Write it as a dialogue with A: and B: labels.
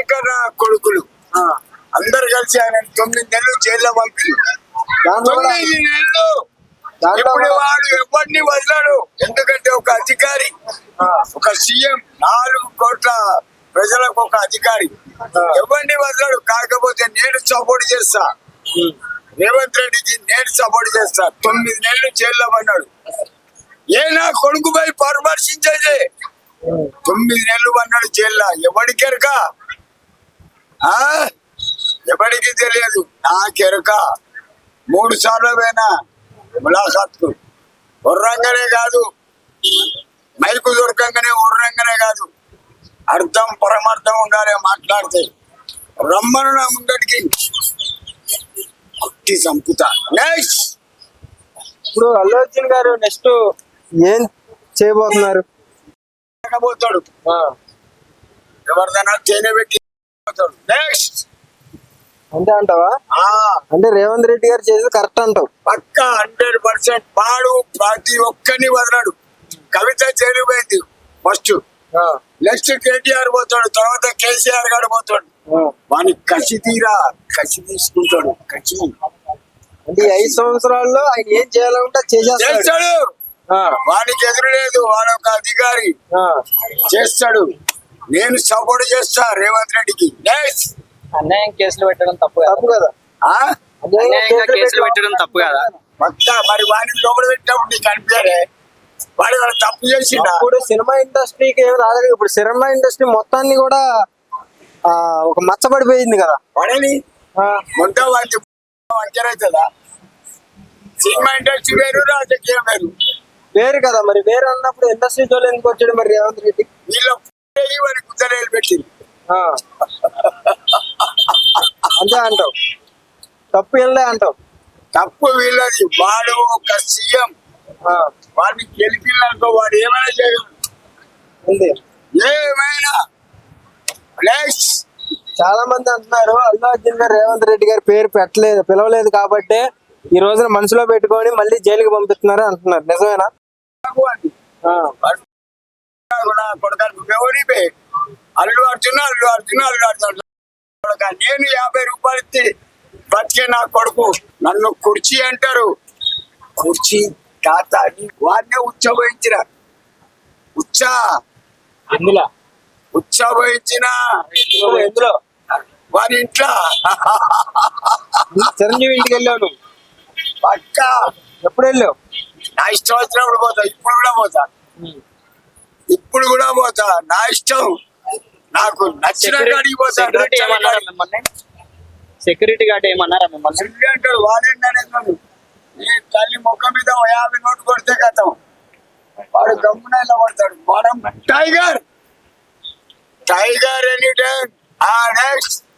A: శంకర్ కొడుకులు అందరు కలిసి ఆయన 9 నెలలు జైల్లో పంపింది. 9 నెలలు ఇప్పుడు వాడు ఎవరిని వదలాడు. ఎందుకంటే ఒక అధికారి, ఒక సీఎం, 4 కోట్ల ప్రజలకు ఒక అధికారి ఎవరిని వదలాడు. కాకపోతే నేను సపోర్ట్ చేస్తా, రేవంత్ రెడ్డికి నేను సపోర్ట్ చేస్తా. 9 నెలలు జైల్లో పడ్డాడు. ఏ నా కొడుకుపై పరామర్శించేది 9 నెలలు పడ్డాడు జైల్లో. ఎవడికెరక, ఎవరికి తెలియదు. నాకెరక 3 సార్లు పోయినా ములాఖాత్కు. ఉర్రంగానే కాదు, మైకు దొరకంగానే ఉర్రంగానే కాదు, అర్థం పరమార్థం ఉండాలి మాట్లాడితే. రమ్మను నా ముందటికి, కుట్టి చంపుతా. నెక్స్ట్
B: ఇప్పుడు అల్లు అర్జున్ గారు నెక్స్ట్ ఏం చేయబోతున్నారు?
A: పోతాడు, ఎవరిదైనా తేనె పెట్టి పోతాడు. నెక్స్ట్
B: అంతే అంటావా? అంటే రేవంత్ రెడ్డి గారు చేసేది కరెక్ట్ అంటావు?
A: పక్కా 100%. వాడు ప్రతి ఒక్కరిని వదలడు. కవిత చేరిపోయింది ఫస్ట్, నెక్స్ట్ కేటీఆర్ పోతాడు, తర్వాత కేసీఆర్ గారు పోతాడు. వాని కసి తీరా, కసి తీసుకుంటాడు. కసి
B: అంటే 5 సంవత్సరాల్లో ఆయన ఏం చేయాలంటే చేస్తాడు.
A: వాడికి ఎదురు లేదు, వాడు ఒక అధికారి, చేస్తాడు. నేను సపోర్ట్ చేస్తా రేవంత్ రెడ్డికి.
C: అన్యాయం కేసులు పెట్టడం తప్పు
B: కదా?
C: కేసులు పెట్టడం తప్పు కదా?
A: పక్కా. మరి వాడిని లోపల పెట్టినప్పుడు నీకు అనిపించలే వాడు వాళ్ళు తప్పు చేసిండు?
B: ఇప్పుడు సినిమా ఇండస్ట్రీకి ఏమి రాలేదు. ఇప్పుడు సినిమా ఇండస్ట్రీ మొత్తాన్ని కూడా ఒక మచ్చబడిపోయింది కదా.
A: వాడని మొత్తం వాడి వంచరైతుందా? సినిమా ఇండస్ట్రీ వేరు, రాజకీయం వేరు.
B: వేరు కదా. మరి వేరు అన్నప్పుడు ఇండస్ట్రీతో ఎందుకు వచ్చాడు మరి రేవంత్ రెడ్డి?
A: వీళ్ళ వాడి కుదరేలు పెట్టింది.
B: అంతే అంటావు? తప్పు వీళ్ళే అంటావు?
A: తప్పు వీళ్ళది. వాడు ఒక సీఎం, వాడిని గెలిపిల్లనుకో వాడు ఏమైనా చేయగలడు, ఏమైనా.
B: చాలా మంది అంటున్నారు అల్లు అర్జున్ గారు రేవంత్ రెడ్డి గారి పేరు పిలవలేదు కాబట్టి ఈ రోజున మనసులో పెట్టుకొని మళ్ళీ జైలుకి పంపిస్తున్నారు అంటున్నారు. నిజమేనా?
A: అల్లు అర్జున్ నేను 50 రూపాయలు ఇచ్చి బతికే నా కొడుకు. నన్ను కుర్చీ అంటారు. కుర్చీ తాత వాడినే ఉచ్చబోయించిన ఉచ్చబోయించిన
B: ఎందులో
A: వారి ఇంట్లో
B: చిరంజీవి ఇంటికి వెళ్ళావు?
A: పక్కా.
B: ఎప్పుడు వెళ్ళావు?
A: నా ఇష్టం వచ్చినప్పుడు పోతా. ఇప్పుడు కూడా పోతా. నా ఇష్టం, నాకు నచ్చిన కాడికి పోతా.
C: సెక్యూరిటీ గార్డ్ ఏమన్నారా మిమ్మల్ని?
A: అంటాడు వాడేంటాడు. ఈ తల్లి ముఖం మీద 50 నోట్లు కొడితే కథం వాడు గమ్మున ఇలా పడతాడు. మనం టైగర్ ఎనీ టైం. నెక్స్ట్